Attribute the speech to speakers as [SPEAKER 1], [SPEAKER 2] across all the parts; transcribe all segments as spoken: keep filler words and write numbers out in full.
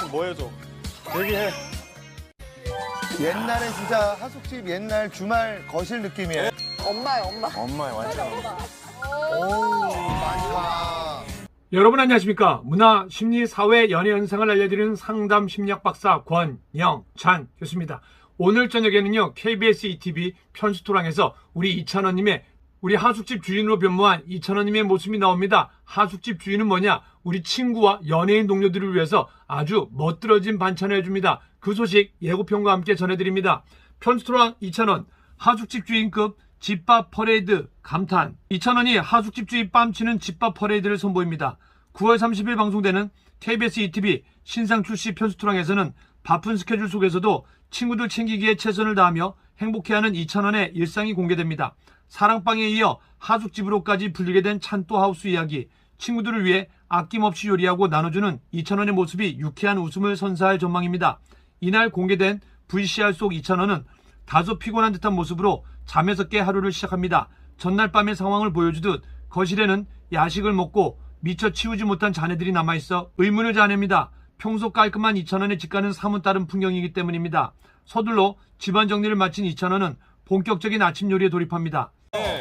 [SPEAKER 1] 뭐 해줘? 얘기해.
[SPEAKER 2] 옛날에 진짜 하숙집 옛날 주말 거실 느낌이에요.
[SPEAKER 3] 엄마야, 엄마.
[SPEAKER 1] 엄마의 완전.
[SPEAKER 2] 오, 많다.
[SPEAKER 4] 여러분 안녕하십니까. 문화, 심리, 사회, 연애 현상을 알려드리는 상담 심리학 박사 권영찬 교수입니다. 오늘 저녁에는요, 케이비에스 이티비 편수토랑에서 우리 이찬원님의 우리 하숙집 주인으로 변모한 이찬원님의 모습이 나옵니다. 하숙집 주인은 뭐냐? 우리 친구와 연예인 동료들을 위해서 아주 멋들어진 반찬을 해줍니다. 그 소식 예고편과 함께 전해드립니다. 편수토랑 이찬원, 하숙집 주인급 집밥 퍼레이드 감탄. 이찬원이 하숙집 주인 뺨치는 집밥 퍼레이드를 선보입니다. 구월 삼십일 방송되는 케이비에스 이티비 신상 출시 편수토랑에서는 바쁜 스케줄 속에서도 친구들 챙기기에 최선을 다하며 행복해하는 이찬원의 일상이 공개됩니다. 사랑방에 이어 하숙집으로까지 불리게 된 찬또하우스 이야기, 친구들을 위해 아낌없이 요리하고 나눠주는 이찬원의 모습이 유쾌한 웃음을 선사할 전망입니다. 이날 공개된 브이씨알 속 이찬원은 다소 피곤한 듯한 모습으로 잠에서 깨 하루를 시작합니다. 전날 밤의 상황을 보여주듯 거실에는 야식을 먹고 미처 치우지 못한 잔해들이 남아있어 의문을 자아냅니다. 평소 깔끔한 이찬원의 집과는 사뭇 다른 풍경이기 때문입니다. 서둘러 집안 정리를 마친 이찬원은 본격적인 아침 요리에 돌입합니다.
[SPEAKER 1] 네.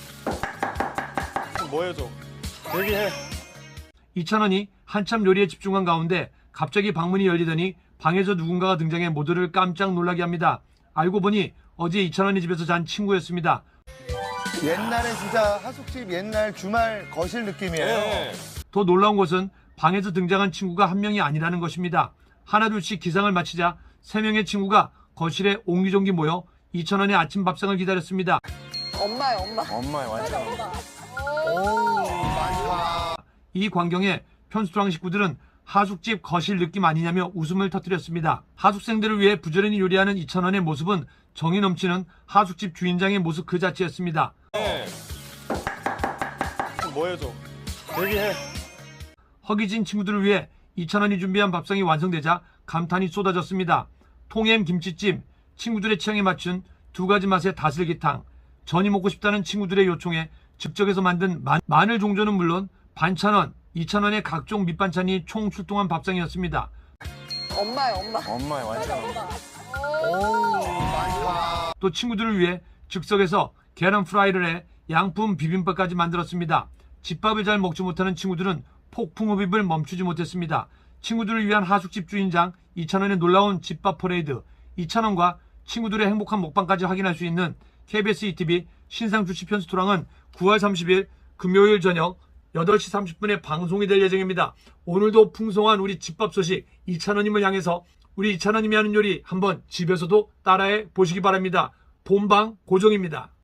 [SPEAKER 1] 뭐 해줘? 얘기해.
[SPEAKER 4] 이찬원이 한참 요리에 집중한 가운데 갑자기 방문이 열리더니 방에서 누군가가 등장해 모두를 깜짝 놀라게 합니다. 알고 보니 어제 이찬원이 집에서 잔 친구였습니다.
[SPEAKER 2] 옛날에 진짜 하숙집 옛날 주말 거실 느낌이에요.
[SPEAKER 1] 네.
[SPEAKER 4] 더 놀라운 것은 방에서 등장한 친구가 한 명이 아니라는 것입니다. 하나둘씩 기상을 마치자 세 명의 친구가 거실에 옹기종기 모여 이찬원의 아침 밥상을 기다렸습니다.
[SPEAKER 3] 엄마야, 엄마.
[SPEAKER 1] 엄마의 완전.
[SPEAKER 2] 오, 많다.
[SPEAKER 4] 이 광경에 편수토랑 식구들은 하숙집 거실 느낌 아니냐며 웃음을 터뜨렸습니다. 하숙생들을 위해 부지런히 요리하는 이찬원의 모습은 정이 넘치는 하숙집 주인장의 모습 그 자체였습니다.
[SPEAKER 1] 네. 뭐 해줘? 얘기해.
[SPEAKER 4] 허기진 친구들을 위해 이찬원이 준비한 밥상이 완성되자 감탄이 쏟아졌습니다. 통햄 김치찜, 친구들의 취향에 맞춘 두 가지 맛의 다슬기탕, 전이 먹고 싶다는 친구들의 요청에 즉석에서 만든 마, 마늘 종전은 물론 반찬원, 이찬원의 각종 밑반찬이 총 출동한 밥상이었습니다.
[SPEAKER 3] 엄마야, 엄마.
[SPEAKER 1] 엄마의 완전.
[SPEAKER 2] 오, 많다.
[SPEAKER 4] 또 친구들을 위해 즉석에서 계란 프라이를 해 양품 비빔밥까지 만들었습니다. 집밥을 잘 먹지 못하는 친구들은 폭풍 흡입을 멈추지 못했습니다. 친구들을 위한 하숙집 주인장 이찬원의 놀라운 집밥 퍼레이드, 이찬원과 친구들의 행복한 먹방까지 확인할 수 있는 케이비에스 이티비 신상 출시 편수토랑은 구월 삼십일 금요일 저녁 여덟 시 삼십 분에 방송이 될 예정입니다. 오늘도 풍성한 우리 집밥 소식 이찬원님을 향해서 우리 이찬원님이 하는 요리 한번 집에서도 따라해 보시기 바랍니다. 본방 고정입니다.